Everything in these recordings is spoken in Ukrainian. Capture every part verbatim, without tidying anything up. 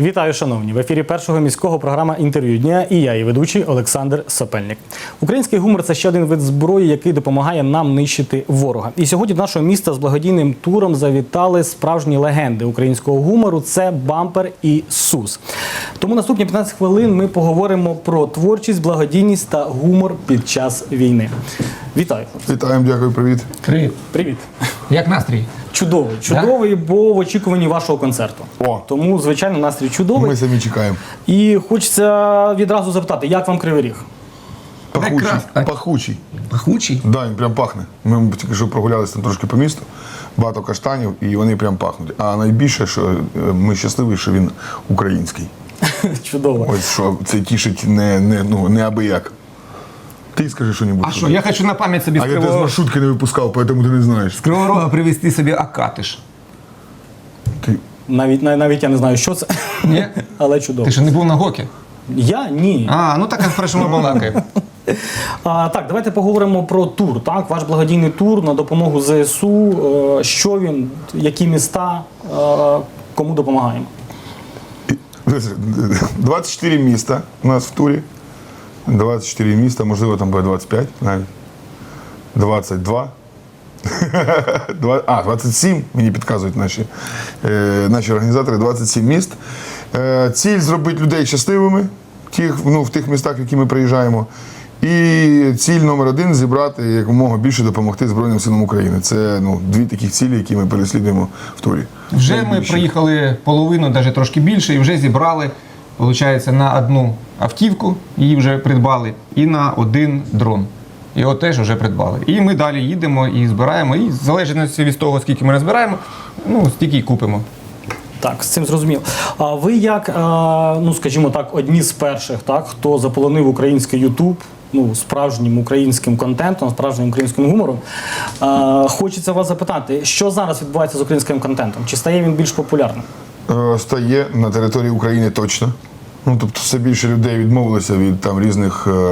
Вітаю, шановні! В ефірі Першого міського програма «Інтерв'ю дня» і я, її ведучий Олександр Сопельник. Український гумор – це ще один вид зброї, який допомагає нам нищити ворога. І сьогодні до нашого міста з благодійним туром завітали справжні легенди українського гумору – це Бампер і Сус. Тому наступні п'ятнадцять хвилин ми поговоримо про творчість, благодійність та гумор під час війни. Вітаю! Вітаємо, дякую, привіт. Привіт. Привіт! Як настрій? Чудовий. Чудовий, бо в очікуванні вашого концерту. О. Тому, звичайно, настрій чудовий. Ми самі чекаємо. І хочеться відразу запитати, як вам Кривий Ріг? Пахучий. Прекрасно. Пахучий. Пахучий? Так, да, він прям пахне. Ми тільки що прогулялися там трошки по місту, багато каштанів, і вони прям пахнуть. А найбільше, що ми щасливі, що він український. Чудово. Ось що це тішить не, не, ну, не аби як. Ти скажи що-небудь. А що, я хочу на пам'ять собі А з я тебе з Кривого... маршрутки не випускав, тому ти не знаєш. з Кривого Рога привезти собі Акатиш. Ти... Навіть, навіть я не знаю, що це, Ні? але чудово. Ти що, не був на Гокі? Я? Ні. А, ну так, хорошо, ми балакаємо. А, так, давайте поговоримо про тур. Так? Ваш благодійний тур на допомогу ЗСУ. Е, Що він, які міста, е, кому допомагаємо? двадцять чотири міста у нас в турі. двадцять чотири міста, можливо, там буде двадцять п'ять навіть. двадцять два. А, двадцять сім, мені підказують наші, е, наші організатори, двадцять сім міст. Е, ціль зробити людей щасливими тих, ну, в тих містах, в які ми приїжджаємо. І ціль номер один – зібрати якомога більше допомогти Збройним силам України. Це ну, дві таких цілі, які ми переслідуємо в турі. Вже ми Найбільше. приїхали половину, навіть трошки більше, і вже зібрали, виходить, на одну автівку, її вже придбали, і на один дрон. Його теж вже придбали. І ми далі їдемо і збираємо, і в залежності від того, скільки ми розбираємо, ну, стільки й купимо. Так, з цим зрозуміло. А ви як, е, ну скажімо так, одні з перших, так, хто заполонив український Ютуб, ну, справжнім українським контентом, справжнім українським гумором, е, хочеться вас запитати, що зараз відбувається з українським контентом? Чи стає він більш популярним? Е, Стає на території України точно. Ну, тобто все більше людей відмовилося від там різних, е,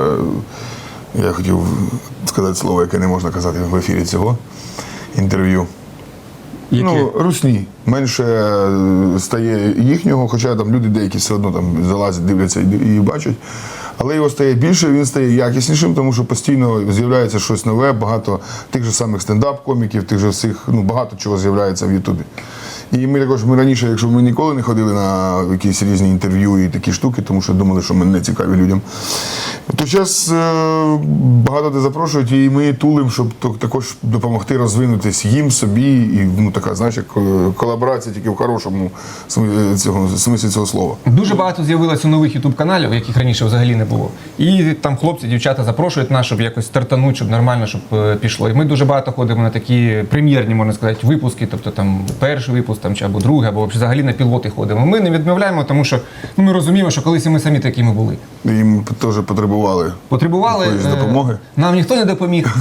я хотів сказати слово, яке не можна казати в ефірі цього інтерв'ю. Які? Ну, русні. Менше е, стає їхнього, хоча там люди деякі все одно там залазять, дивляться і, і бачать. Але його стає більше, він стає якіснішим, тому що постійно з'являється щось нове, багато тих же самих стендап-коміків, тих же всіх, ну, багато чого з'являється в Ютубі. І ми також, ми раніше, якщо ми ніколи не ходили на якісь різні інтерв'ю і такі штуки, тому що думали, що ми не цікаві людям, то зараз е, багато де запрошують, і ми тулимо, щоб також допомогти розвинутись їм, собі, і ну, така, знаєш, як колаборація тільки в хорошому смислі цього, смислі цього слова. Дуже багато з'явилося нових ютуб-каналів, яких раніше взагалі не було. І там хлопці, дівчата запрошують нас, щоб якось стартануть, щоб нормально, щоб е, пішло. І ми дуже багато ходимо на такі прем'єрні, можна сказати, випуски, тобто там перший випуск, там, чи або другий, або взагалі на пілоти ходимо. Ми не відмовляємо, тому що ну, ми розуміємо, що колись і ми самі такими були. Їм теж потребували, Потребували якоїсь е, допомоги. Нам ніхто не допоміг.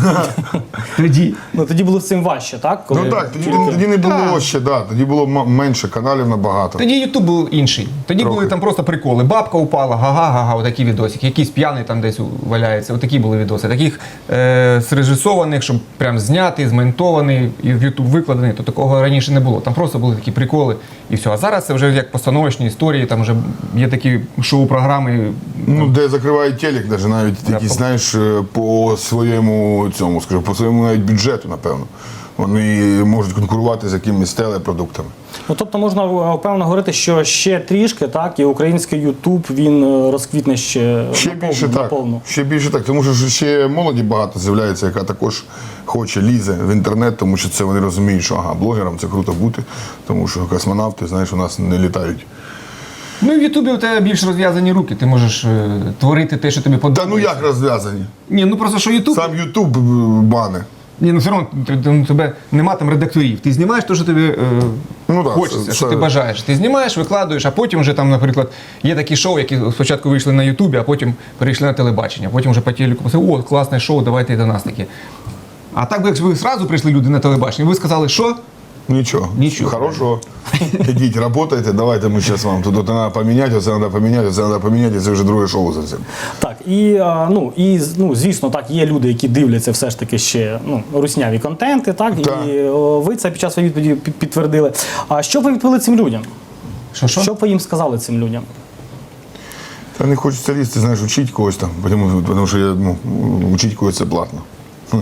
Тоді. Ну, тоді було з цим важче, так? Коли Ну так, тоді, тільки- тоді не було Так. ще, да, тоді було м- менше каналів набагато. Тоді Ютуб був інший. Тоді Трохи. були там просто приколи. Бабка упала, га-га-га-га, отакі відосики. Якийсь п'яний там десь валяється. Отакі були відоси. Таких е, зрежисованих, щоб прям зняти, змонтований і в Ютуб викладений, то такого раніше не було. Там просто були такі приколи і все. А зараз це вже як постановочні історії, там вже є такі шоу-програми. Ну, де закривають телек, навіть, навіть Да, якісь, по- знаєш, по своєму цьому, скажу, по своєму навіть бюджету, напевно. Вони можуть конкурувати з якимись телепродуктами. Ну, тобто можна е, впевнено говорити, що ще трішки, так, і український Ютуб, він е, розквітне ще, Ще наповну, більше так. наповну. Ще більше так, тому що ще молоді багато з'являється, яка також хоче, лізе в інтернет, тому що це вони розуміють, що ага, блогерам це круто бути, тому що космонавти, знаєш, у нас не літають. Ну і в Ютубі у тебе більш розв'язані руки. Ти можеш е, творити те, що тобі Та подобається. ну як розв'язані? Ні, ну просто що Ютуб. Сам Ютуб бане. Ні, ну все одно ти- ти- ну, тебе нема там редакторів. Ти знімаєш те, що тобі е, Ну, да, хочеться, це- що це- ти бажаєш. Ти знімаєш, викладуєш, а потім вже там, наприклад, є такі шоу, які спочатку вийшли на Ютубі, а потім перейшли на телебачення. Потім вже по телеку писали, о, класне шоу, давайте і до нас таке. А так би, якщо ви одразу прийшли люди на телебачення, ви сказали, що? Нічого. Нічого. Хорошого. Ідіть, працюйте, давайте ми зараз вам тут треба поміняти, оце треба поміняти, оце треба поміняти, це вже друге шоу зовсім. Так, і, а, ну, і ну, звісно, так, є люди, які дивляться все ж таки ще ну, русняві контенти, так, Так. і о, ви це під час відповіді під- підтвердили. А що б ви відповіли цим людям? Що, що? Що б ви їм сказали цим людям? Та не хочеться лізти, знаєш, учити когось там, тому, тому що я, ну, учити когось це платно. Хм.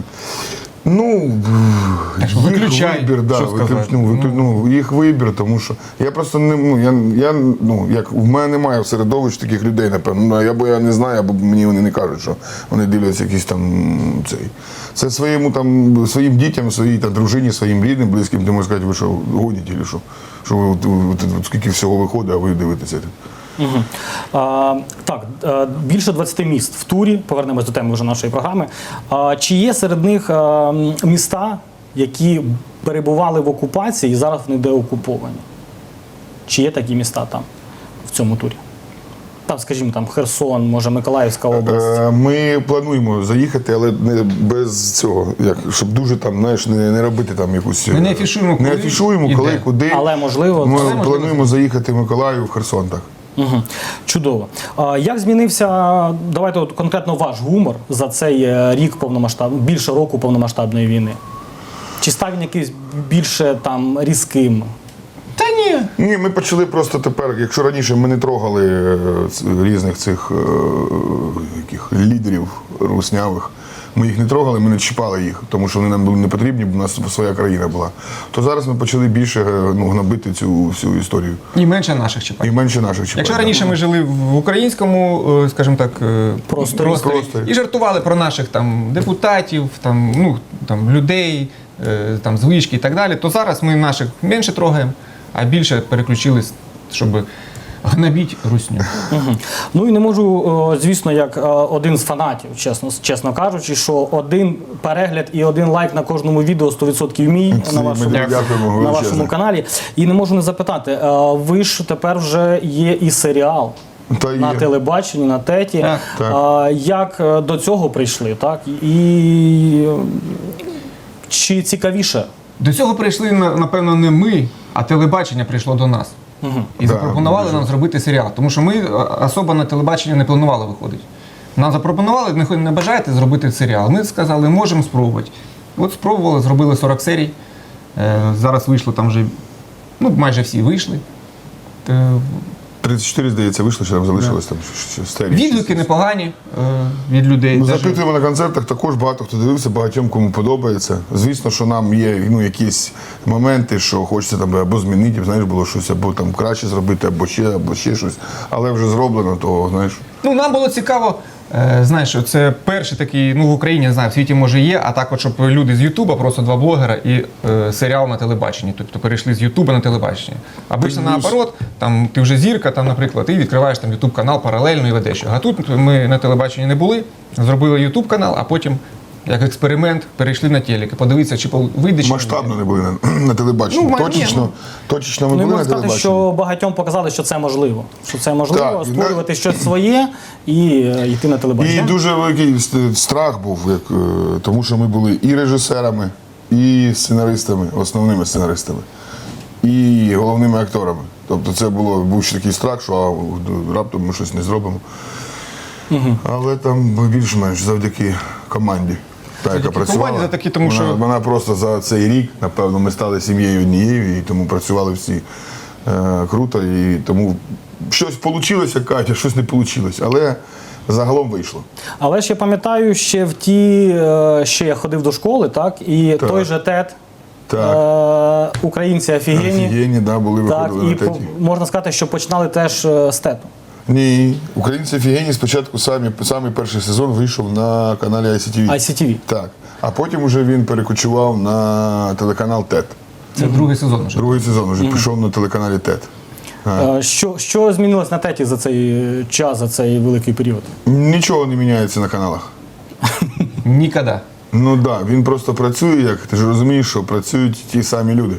Ну, Так що їх виключай, вибір, да, що виклю- сказати. ну, виклю- ну, їх вибір, тому що я просто не, ну, я, я, ну, як, в мене немає в середовищі таких людей, напевно. Ну, або я не знаю, або мені вони не кажуть, що вони дивляться якісь там цей. Це своєму там, своїм дітям, своїй там, дружині, своїм рідним, близьким, ти можеш сказати, ви що, гоніте, чи що? Що ви, от, от, от, скільки всього виходить, а ви дивитеся. Угу. А, так, е, більше двадцяти міст в турі. Повернемось до теми вже нашої програми. А, чи є серед них е, міста, які перебували в окупації і зараз вони деокуповані? Чи є такі міста там, в цьому турі? Там, скажімо, там Херсон, може, Миколаївська область. Е, Ми плануємо заїхати, але не без цього, як, щоб дуже там, знаєш, не, не робити там якусь. Ми не афішуємо, не коли афішуємо, і коли, де. куди. Але, можливо, Ми це можливо. плануємо заїхати в Миколаїв, в Херсон, так. Угу. Чудово. А, як змінився, давайте от конкретно ваш гумор за цей е, рік повномасштаб, більше року повномасштабної війни? Чи став він якийсь більше там різким? Та ні. Ні, ми почали просто тепер, якщо раніше ми не трогали е, ц- різних цих е, яких, лідерів руснявих, ми їх не трогали, ми не чіпали їх, тому що вони нам були не потрібні, бо в нас своя країна була. То зараз ми почали більше е, ну, гнобити цю всю історію. І менше наших чіпати. І менше наших чіпати. Якщо раніше ми жили в українському, е, скажімо так, е, Просторі. Просторі. і жартували про наших там депутатів, там, ну, там, людей, е, там, звички і так далі, то зараз ми наших менше трогаємо, а більше переключились, щоб гнобити русню. Угу. Ну і не можу, о, звісно, як о, один з фанатів, чесно, чесно кажучи, що один перегляд і один лайк на кожному відео сто відсотків мій Це на ми вашому, дякуємо на величезне. вашому каналі. І не можу не запитати, е, ви ж тепер вже є і серіал. Та На є. телебаченні, на теті. Так, так. А, як е, до цього прийшли, так? І е, чи цікавіше? До цього прийшли, на- напевно, не ми, а телебачення прийшло до нас. Угу. І Да, запропонували дуже. нам зробити серіал. Тому що ми е, особо на телебачення не планували виходити. Нам запропонували, не, хо- не бажаєте зробити серіал. Ми сказали, можемо спробувати. От спробували, зробили сорок серій. Е, зараз вийшло там вже, ну, майже всі вийшли. Е, тридцять чотири, здається, вийшло, що там залишилось там ще серії. Відгуки непогані е, від людей. Ми Даже- запитуємо на концертах, також багато хто дивився, багатьом кому подобається. Звісно, що нам є ну, якісь моменти, що хочеться там або змінити, знаєш, було щось, або там краще зробити, або ще, або ще щось. Але вже зроблено, то знаєш. Ну, нам було цікаво, е, знаєш, що це перший такий, ну в Україні, не знаю, в світі може є, а так, от, щоб люди з Ютуба, просто два блогера і е, серіал на телебаченні. Тобто перейшли з Ютуба на телебачення. Обично Плюс- наоборот, там ти вже зірка, там, наприклад, і відкриваєш там Ютуб канал паралельно і ведеш його. А тут ми на телебаченні не були, зробили Ютуб канал, а потім, як експеримент, перейшли на телек. Подивитися, чи пол- вийде чи ні. Масштабно не були на, на телебаченні. Ну, ма- ні, точечно, ну. точечно ми Ну, і були можна на сказати, телебаченні. що багатьом показали, що це можливо. Що це можливо Так, і створювати щось своє і е, йти на І телебачення. дуже великий ст- страх був, як, е, тому що ми були і режисерами, і сценаристами, основними сценаристами, і головними акторами. Тобто це було, був ще такий страх, що а, раптом ми щось не зробимо. Але там більш-менш завдяки команді. Та, яка Завдяки працювала. команді, завдяки тому, вона, що- вона просто за цей рік, напевно, ми стали сім'єю однією, і тому працювали всі е, круто. І тому щось вийшло, як кажуть, а щось не вийшло. Але загалом вийшло. Але ж я пам'ятаю, ще в ті, е, ще я ходив до школи, так, і Так. той же тет, Так. е, українці офігенні. Офігенні, да, були, Так, виходили і на теті. по- можна сказати, що починали теж е, з тету. Ні, українці офігенні спочатку самі, самий перший сезон вийшов на каналі ай сі ті ві. ай сі ті ві. Так. А потім вже він перекочував на телеканал ТЕТ. Це другий сезон вже. Другий сезон вже пішов на телеканалі ТЕТ. Е, Що, що змінилось на теті за цей е, час, за цей великий період? Нічого не міняється на каналах. Ніколи. Ну так, да, він просто працює, як ти ж розумієш, що працюють ті самі люди.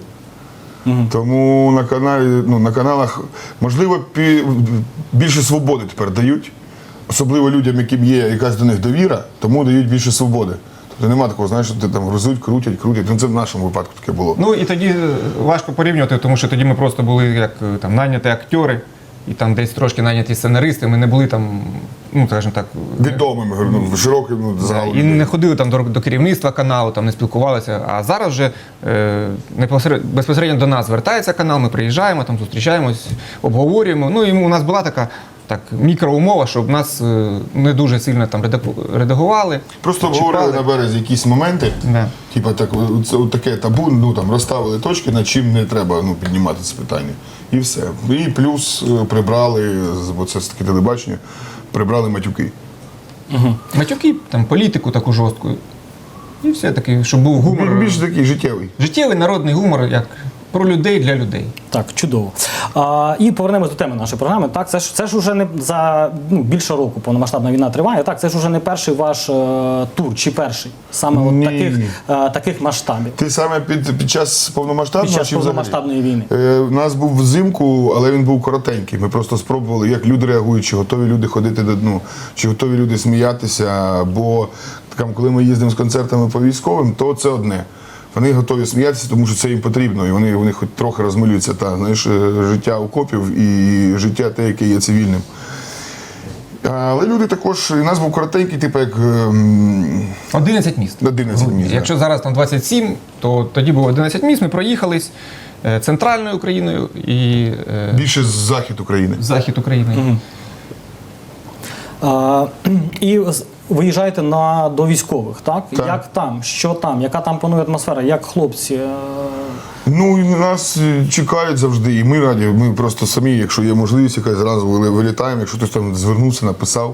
Тому на каналі, ну, на каналах, можливо, пі- більше свободи тепер дають, особливо людям, яким є якась до них довіра, тому дають більше свободи. Тобто нема такого, знаєш, що ти там грузуть, крутять, крутять. Ну це в нашому випадку таке було. Ну і тоді е, важко порівнювати, тому що тоді ми просто були як е, там наняті актори, і там десь трошки найняті сценаристи, ми не були там, ну, скажімо так, Відомим, ну, широким ну, Да, загалом. і не ходили там до, до керівництва каналу, там не спілкувалися. А зараз вже е, непосеред- безпосередньо до нас звертається канал, ми приїжджаємо, там зустрічаємось, обговорюємо. Ну і у нас була така так, мікроумова, щоб нас е, не дуже сильно там редаку- редагували. Просто чіпали. обговорили на березі якісь моменти, Да. типа так, це от таке табу, ну там розставили точки, над чим не треба ну, піднімати це питання. І все. І плюс е, прибрали, з- бо це ж таке телебачення, прибрали матюки. Матюки, там, політику таку жорстку. І все таки, щоб був гумор. Більш такий життєвий. Життєвий народний гумор, як про людей для людей. Так, чудово. А, і повернемось до теми нашої програми. Так, це ж це ж уже не за ну, більше року повномасштабна війна триває. Так, це ж уже не перший ваш е, тур, чи перший саме от Ні. таких, е, таких масштабів Ти саме під, під час повномасштабного під час чи взагалі? повномасштабної війни. Е, У нас був взимку, але він був коротенький. Ми просто спробували, як люди реагують, чи готові люди ходити до дну, чи готові люди сміятися. Бо там, коли ми їздимо з концертами по військовим, то це одне. Вони готові сміятися, тому що це їм потрібно, і вони, вони хоч трохи розмилюються та знаєш, життя окопів і життя те, яке є цивільним. Але люди також, і нас був коротенький, типу як ем, одинадцять міст. одинадцять місць. Якщо зараз там двадцять сім, то тоді було одинадцять міст. Ми проїхались е, центральною Україною і е, Більше з захід України. захід України. А, і з- виїжджаєте на, до військових, так? Так. Як там? Що там? Яка там панує атмосфера? Як хлопці? е, Ну, і нас е, чекають завжди, і ми раді. Ми просто самі, якщо є можливість, якась зразу вили- вилітаємо. Якщо хтось там звернувся, написав,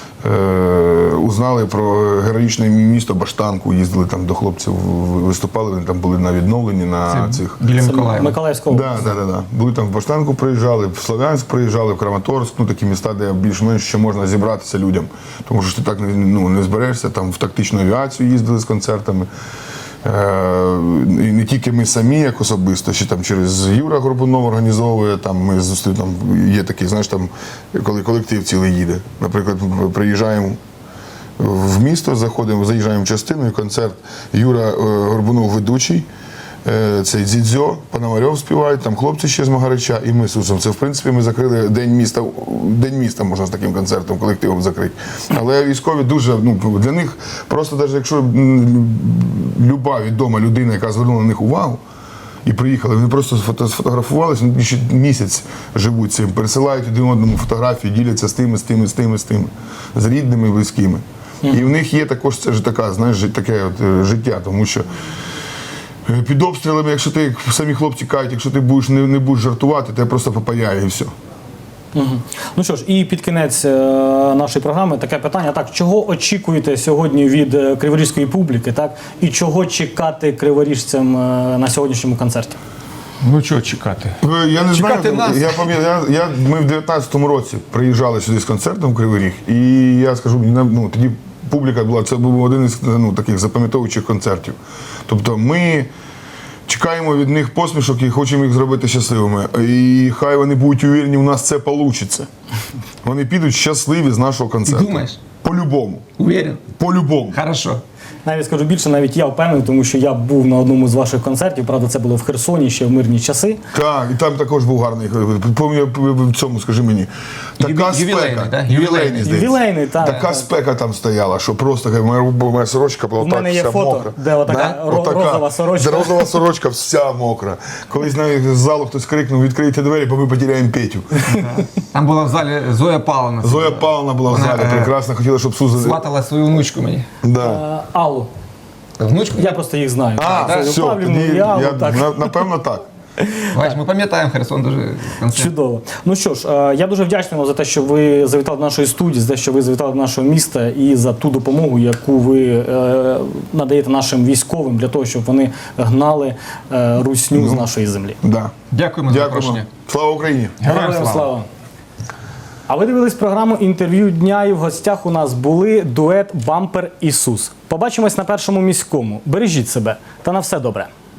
е- узнали про героїчне місто Баштанку, їздили там до хлопців, в- виступали, вони там були на відновленні на Це цих. біля це Миколаєва. Миколаївська область. Да, да, да, да. Були там в Баштанку, приїжджали, в Слов'янськ приїжджали, в Краматорськ, ну такі міста, де більш-менш ще можна зібратися людям. Тому що ти так не, ну, не зберешся, там в тактичну авіацію їздили з концертами. Е, і не тільки ми самі, як особисто, ще там через Юра Горбунов організовує, там ми зустріли, там є такий, знаєш, там, коли колектив цілий їде. Наприклад, ми приїжджаємо в місто, заходимо, заїжджаємо в частину, і концерт Юра е, Горбунов ведучий. Е, Цей Дзідзьо, Пономарьов співають, там хлопці ще з Магарича і ми з Сусом. Це, в принципі, ми закрили День міста, День міста можна з таким концертом, колективом закрити. Але військові дуже, ну, для них просто, навіть якщо м, люба відома людина, яка звернула на них увагу, і приїхали, вони просто сфото- сфотографувалися, вони ще місяць живуть цим, пересилають один одному фотографії, діляться з тими, з тими, з тими, з тими, з рідними, близькими. І в них є також це ж така, знаєш, жи- таке от, е, життя, тому що е, під обстрілами, якщо ти, як самі хлопці кажуть, якщо ти будеш не, не будеш жартувати, тебе просто попаяє і все. Мгм. Ну що ж, і під кінець е, нашої програми таке питання. Так, чого очікуєте сьогодні від е, криворізької публіки, так? І чого чекати криворіжцям е, на сьогоднішньому концерті? Ну чого чекати? Е, Я не Чекати знаю, нас. я пам'ятаю, я, я, ми в дев'ятнадцятому році приїжджали сюди з концертом в Кривий Ріг, і я скажу, ну, тоді публіка була, це був один із ну, таких запам'ятовуючих концертів. Тобто ми чекаємо від них посмішок і хочемо їх зробити щасливими. І хай вони будуть уверені, у нас це вийде. Вони підуть щасливі з нашого концерту. Думаєш? По-любому. Уверен? По-любому. Хорошо. Навіть скажу більше, навіть я впевнений, тому що я був на одному з ваших концертів, правда, це було в Херсоні ще в мирні часи. Так, і там також був гарний. Пам'ятаю в цьому, скажи мені. Така Юбі- ювілейний, спека. да? Ювілейний, Ювілейний. здається. Ювілейний, так. Така так. спека там стояла, що просто моя, моя сорочка була У так мене є вся фото, мокра. де отака ро- Отака. розова сорочка. Де розова сорочка вся мокра. Колись навіть з залу хтось крикнув, відкрийте двері, бо ми потеряємо Петю. Там була в залі Зоя Павловна. Зоя Павловна була в Вона, залі, е, прекрасно, хотіла, щоб Суза... Сватала свою внучку мені. Да. Е, Аллу. Внучку? Я просто їх знаю. А, Зою все, Павлівну тоді, і Аллу, я, так. на- напевно так. Бач, ми пам'ятаємо Херсон дуже концерт. Чудово. Ну що ж, е, я дуже вдячний вам за те, що ви завітали до нашої студії, за те, що ви завітали до нашого міста і за ту допомогу, яку ви е, надаєте нашим військовим для того, щоб вони гнали е, русню з нашої землі. Да. Дякуємо за Дякуємо. запрошення. Слава Україні! Героям Героям слава. слава! А ви дивились програму «Інтерв'ю дня» і в гостях у нас були дует «Бампер Ісус». Побачимось на Першому міському. Бережіть себе та на все добре.